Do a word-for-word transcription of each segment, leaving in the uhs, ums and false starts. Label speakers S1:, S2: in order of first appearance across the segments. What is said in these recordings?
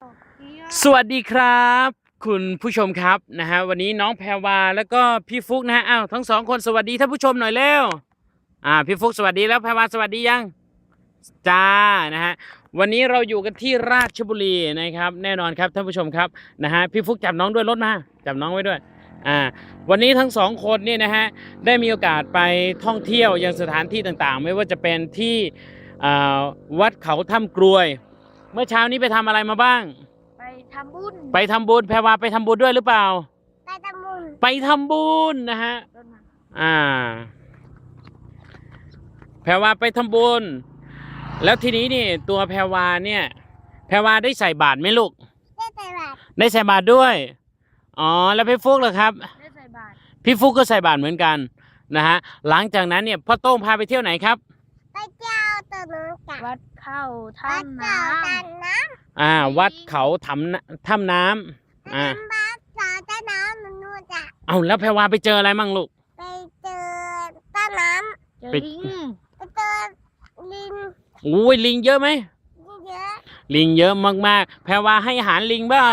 S1: สวัสดีครับคุณผู้ชมครับนะฮะวันนี้น้องแพรวาแล้วก็พี่ฟุกนะฮะอ้าวทั้งสองคนสวัสดีท่านผู้ชมหน่อยเร็วอ่าพี่ฟุกสวัสดีแล้วแพรวาสวัสดียังจ้านะฮะวันนี้เราอยู่กันที่ราชบุรีนะครับแน่นอนครับท่านผู้ชมครับนะฮะพี่ฟุกจับน้องด้วยรถมาจับน้องไว้ด้วยอ่าวันนี้ทั้งสองคนนี่นะฮะได้มีโอกาสไปท่องเที่ยวยังสถานที่ต่างๆไม่ว่าจะเป็นที่อ่าวัดเขาถ้ำกรวยเมื่อเช้านี้ไปทำอะไรมาบ้าง
S2: ไปทำบุญ
S1: ไปทำบุญแพรวาไปทำบุญด้วยหรือเปล่า
S2: ไปทำบุญ
S1: ไปทำบุญนะฮะอ่าแพรวาไปทำบุญแล้วทีนี้นี่ตัวแพรวาเนี่ยแพรวาได้ใส่บาตรไหมลูก
S2: ได้ใส่บาตร
S1: ได้ใส่บาตรด้วยอ๋อแล้วพี่ฟุกเหรอครับ
S2: ได้ใส่บาตร
S1: พี่ฟุกก็ใส่บาตรเหมือนกันนะฮะหลังจากนั้นเนี่ยพ่อโต้งพาไปเที่ยวไหนครับ
S2: ไปเที่ยวตะลุงกับวัดเขาถ้ำน้ำ
S1: อ่าวัดเขาถ้ำถ้ำน้ำอ่า
S2: วัดเขาถ้ำน้ำนู่นจ้ะ
S1: เอาแล้วแพรวาไปเจออะไรมั่งลูก
S2: ไปเจอต้นน้ำเจอลิงไปเจอลิง
S1: โอ้ยลิงเยอะไหม
S2: เยอะ
S1: ลิงเยอะมากๆแพรวาให้อาหารลิงเปล่า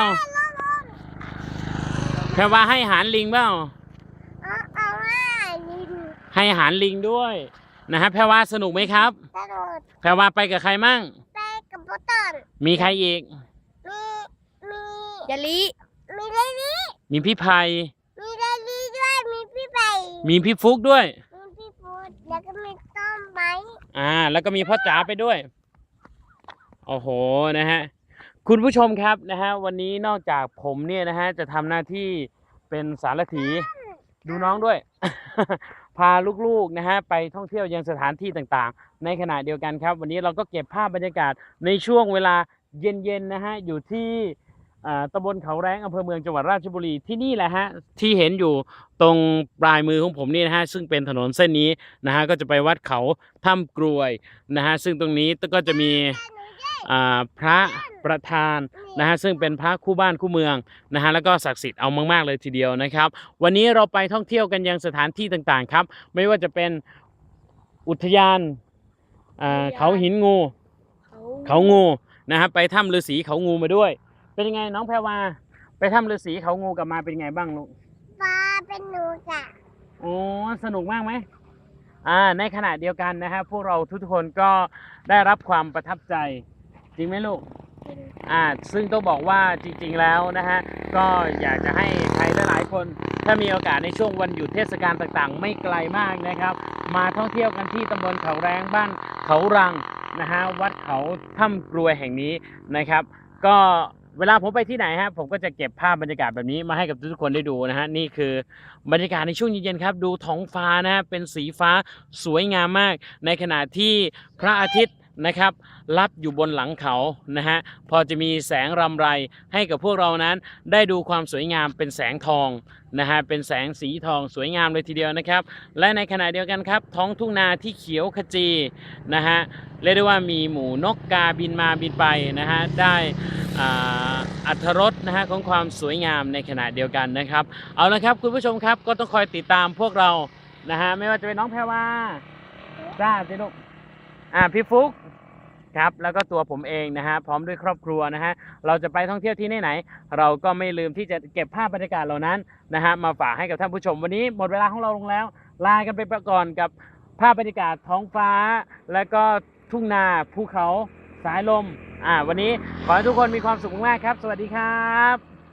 S1: แพรวาให้อาหารลิงเปล่า
S2: เอาเอาให้ลิง
S1: ให้อาหารลิงด้วยนะฮะแพรวาสนุกไหมครับ
S2: สนุก
S1: แพรวาไปกับใครมั่ง
S2: ไปกับพ่อต้น
S1: มีใครอีก
S2: มีมียาลีมียาลี
S1: มีพี่ไพ
S2: มียาลีด้วยมีพี่ไพ
S1: มีพี่ฟุกด้วย
S2: มีพี่ฟุกแล้วก็มีต้นไม้
S1: อ่าแล้วก็มีพ่อจ๋าไปด้วยโอ้โหนะฮะคุณผู้ชมครับนะฮะวันนี้นอกจากผมเนี่ยนะฮะจะทำหน้าที่เป็นสารถีดูน้องด้วย พาลูกๆนะฮะไปท่องเที่ยวยังสถานที่ต่างๆในขณะเดียวกันครับวันนี้เราก็เก็บภาพบรรยากาศในช่วงเวลาเย็นๆนะฮะอยู่ที่ตำบลเขาแรงอำเภอเมืองจังหวัดราชบุรีที่นี่แหละฮะที่เห็นอยู่ตรงปลายมือของผมนี่นะฮะซึ่งเป็นถนนเส้นนี้นะฮะก็จะไปวัดเขาถ้ำกรวยนะฮะซึ่งตรงนี้ก็จะมีพระประธานนะฮะซึ่งเป็นพระคู่บ้านคู่เมืองนะฮะแล้วก็ศักดิ์สิทธิ์เอามากๆเลยทีเดียวนะครับวันนี้เราไปท่องเที่ยวกันยังสถานที่ต่างๆครับไม่ว่าจะเป็นอุทยานเขาหินงูเขางูนะฮะไปถ้ำฤาษีเขางูมาด้วยเป็นยังไงน้องแพรวาไปถ้ำฤาษีเขางูกลับมาเป็นยังไงบ้างลูก
S2: มาเป็นหนูจ้ะ
S1: โอ้สนุกมากไหมอ่าในขณะเดียวกันนะฮะพวกเราทุกคนก็ได้รับความประทับใจจริงไหมลูกอ่าซึ่งต้องบอกว่าจริงๆแล้วนะฮะก็อยากจะให้ใครหลายๆคนถ้ามีโอกาสในช่วงวันหยุดเทศกาลต่างๆไม่ไกลมากนะครับมาท่องเที่ยวกันที่ตำบลเขาแรงบ้านเขารังนะฮะวัดเขาถ้ำกรวยแห่งนี้นะครับก็เวลาผมไปที่ไหนฮะผมก็จะเก็บภาพบรรยากาศแบบนี้มาให้กับทุกคนได้ดูนะฮะนี่คือบรรยากาศในช่วงเย็นๆครับดูท้องฟ้านะฮะเป็นสีฟ้าสวยงามมากในขณะที่พระอาทิตย์นะครับรับอยู่บนหลังเขานะฮะพอจะมีแสงรำไรให้กับพวกเรานั้นได้ดูความสวยงามเป็นแสงทองนะฮะเป็นแสงสีทองสวยงามเลยทีเดียวนะครับและในขณะเดียวกันครับท้องทุ่งนาที่เขียวขจีนะฮะเรียกได้ว่ามีหมูนกกาบินมาบินไปนะฮะได้อรรถรสนะฮะของความสวยงามในขณะเดียวกันนะครับเอาละครับคุณผู้ชมครับก็ต้องคอยติดตามพวกเรานะฮะไม่ว่าจะเป็นน้องแพรวาจ้าสิลูกอ่าพี่ฟุกครับแล้วก็ตัวผมเองนะฮะพร้อมด้วยครอบครัวนะฮะเราจะไปท่องเที่ยวที่ไหนเราก็ไม่ลืมที่จะเก็บภาพบรรยากาศเหล่านั้นนะฮะมาฝากให้กับท่านผู้ชมวันนี้หมดเวลาของเราลงแล้วลากันไปก่อนกับภาพบรรยากาศท้องฟ้าและก็ทุ่งนาภูเขาสายลมอ่าวันนี้ขอให้ทุกคนมีความสุขมากครับสวัสดีครับ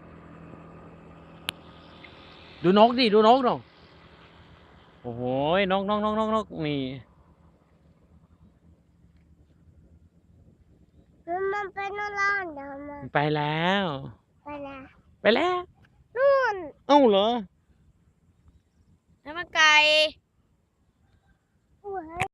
S1: ดูนกดิดูนกหน่อยโอ้โหนกนกนกนกนกนี่
S2: มันไปนอนร้านเดี๋ยวมัน
S1: ไปแล้ว
S2: ไปแล้ว
S1: ไปแล้ว
S2: นู่น
S1: เอ้าเหรอ
S2: แล้วมันไกล